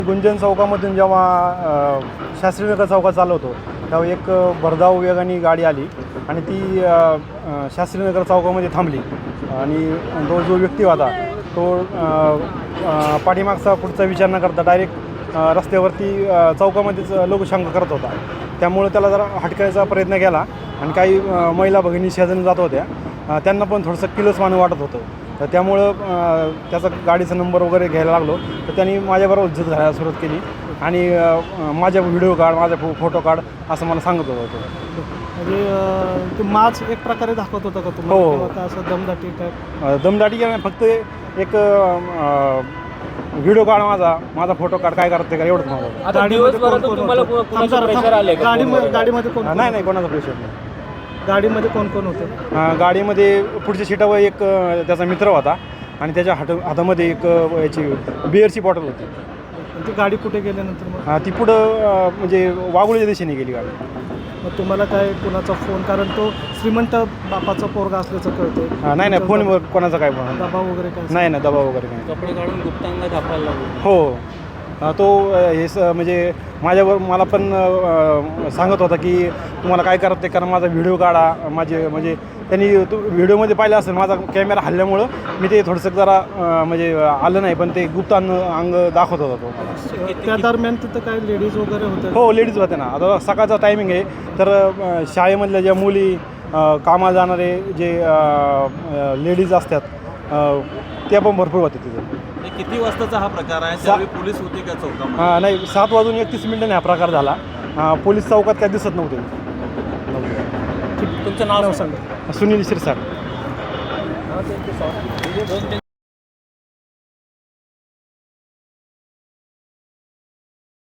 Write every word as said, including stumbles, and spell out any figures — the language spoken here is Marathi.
गुंजन चौकामधून जेव्हा अ, शास्त्रीनगर चौकात चाललो होतो तेव्हा एक भरधाव वेगाने गाडी आली आणि ती अ, अ, शास्त्रीनगर चौकामध्ये थांबली आणि तो जो व्यक्ती होता तो अ, अ, पाठीमागचा पुढचा विचार न करता डायरेक्ट रस्त्यावरती अ, चौकामध्येच लोकशांक करत होता. त्यामुळे त्याला जरा हटकायचा प्रयत्न केला आणि काही अ, महिला भगिनी शेजारी जात होत्या, अ, त्यांना पण थोडंसं किलसवाणं वाटत होतं. तर त्यामुळं अ, त्याचा गाडीचा नंबर वगैरे घ्यायला लागलो तर त्यांनी माझ्याबरोबर इज्जत घालायला सुरुवात केली आणि अ, माझ्या व्हिडिओ काढ, माझा फो फोटो काढ असं मला सांगत होतं तो. म्हणजे अं, ते माच एक प्रकारे दाखवत होता का तुम्हाला? हो. किंवा का असं दमदाटी टाईप? अ, दमदाटी केली नाही, फक्त एक व्हिडिओ काढ माझा माझा फोटो काढ, काय करते का एवढंच माझं. आता गाडीमध्ये दिवसभरातून कोण कोण तुम्हाला होतं? कु- कुणाचं थांब जरा, प्रेशर आलंय थांब. का गाडीमध्ये फोनवर? गाडीमध्ये कोण अ, कोण नाही नाही होतं? कोणाचा प्रेशर नाही. गाडीमध्ये कोण कोण होते? अ, गाडीमध्ये पुढच्या सीटावर एक अ, त्याचा मित्र होता आणि त्याच्या हात हातामध्ये एक अ, याची बिअरची बॉटल होती. ती गाडी कुठे गेल्यानंतर मग अ, ती पुढं अ, म्हणजे वाघुळीच्या दिशेने गेली गाडी. मग तुम्हाला काय कोणाचा फोन, कारण तो श्रीमंत बापाचा पोरगा असल्याचं कळतंय. अ, नाही नाही फोनवर कोणाचा काय फोन दबाव वगैरे काय? नाही नाही दबाव वगैरे नाही. कपडे काढून गुप्तांग दाखवायला लागले. हो. अ, तो अ, हे स म्हणजे माझ्यावर मला पण अ, सांगत होता की तुम्हाला काय करत ते कारण माझा व्हिडिओ काढा माझे म्हणजे त्यांनी तो व्हिडिओमध्ये पाहिलं असेल माझा कॅमेरा हल्ल्यामुळं मी ते थोडंसं जरा अ, म्हणजे आलं नाही, पण ते गुप्त अंग अंग दाखवत होता तो मला. त्या दरम्यान तिथं काय लेडीज वगैरे होते? हो लेडीज होते ना. आता सकाळचा टायमिंग आहे तर अ, शाळेमधल्या ज्या मुली अ, कामाला जाणारे जे लेडीज असतात अ, त्या पण भरपूर होते तिथे. किती वाजताचा हा प्रकार आहे? त्यावेळी पोलीस होते का चौकामध्ये? हां नाही सात वाजून एकतीस मिनिटांनी हा प्रकार झाला. अ, पोलीस चौकात काय दिसत नव्हते. तुमचं नाव सांगा. सुनील शिरसाट. दोन तीन